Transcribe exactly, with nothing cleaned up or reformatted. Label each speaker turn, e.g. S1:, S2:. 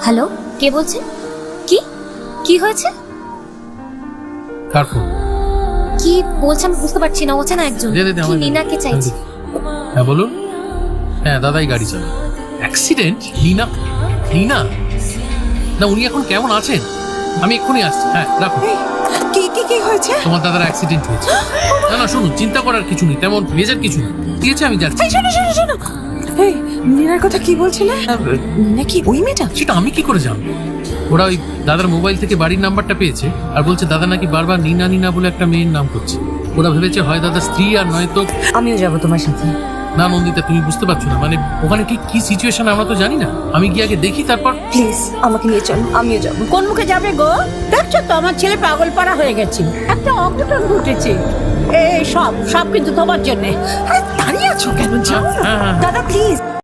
S1: Hello, কে বলছেন? কি কি হয়েছে?
S2: কার ফোন?
S1: কি বলছেন বুঝতে পারছি না। অচেনা একজন।
S2: দে, দে, দে,
S1: কি
S2: আমায় দে।
S1: নীনাকে চাইছি।
S2: হ্যাঁ বলুন। হ্যাঁ দাদাই গাড়ি চালায়। অ্যাক্সিডেন্ট? নীনা? নীনা না, উনি এখন কেমন আছেন? আমি এক্ষুনি আসছি। হ্যাঁ রাখুন।
S3: কি কি কি হয়েছে?
S2: তোমার দাদার অ্যাক্সিডেন্ট হয়েছে। না না শুনুন, চিন্তা করার কিছু নেই, তেমন মেজর কিছু নেই। ঠিক আছে আমি যাচ্ছি।
S3: এই শোনো শোনো শোনো, এই নীনার কথা কি বলছিলে? নীনা কি ওই মেয়েটা?
S2: সেটা আমি কি করে জানবো? ওরা ওই দাদার মোবাইল থেকে বাড়ির নাম্বারটা পেয়েছে আর বলছে দাদা নাকি বারবার নীনা নীনা বলে একটা মেয়ের নাম করছে। ওরা ভেবেছে হয় দাদার স্ত্রী আর নয়তো।
S3: আমিও যাব তোমার সাথে।
S2: না নন্দিতা, তুমি বুঝতে পারছো না, মানে ওখানে ঠিক কি সিচুয়েশন আমরা তো জানি না। আমি গিয়ে আগে দেখি, তারপর।
S3: প্লিজ আমাকে নিয়ে চলো, আমিও যাব।
S4: কোন মুখে যাবে গো? দেখছো তো আমার ছেলে পাগল পাড়া হয়ে গেছে, একটা অঘটন ঘটেছে। এই সব সব কিন্তু তোমার জন্যে।
S3: আরে দাঁড়িয়ে আছো কেন? যাও না।
S2: হ্যাঁ, হ্যাঁ, হ্যাঁ।
S3: দাদা প্লিজ।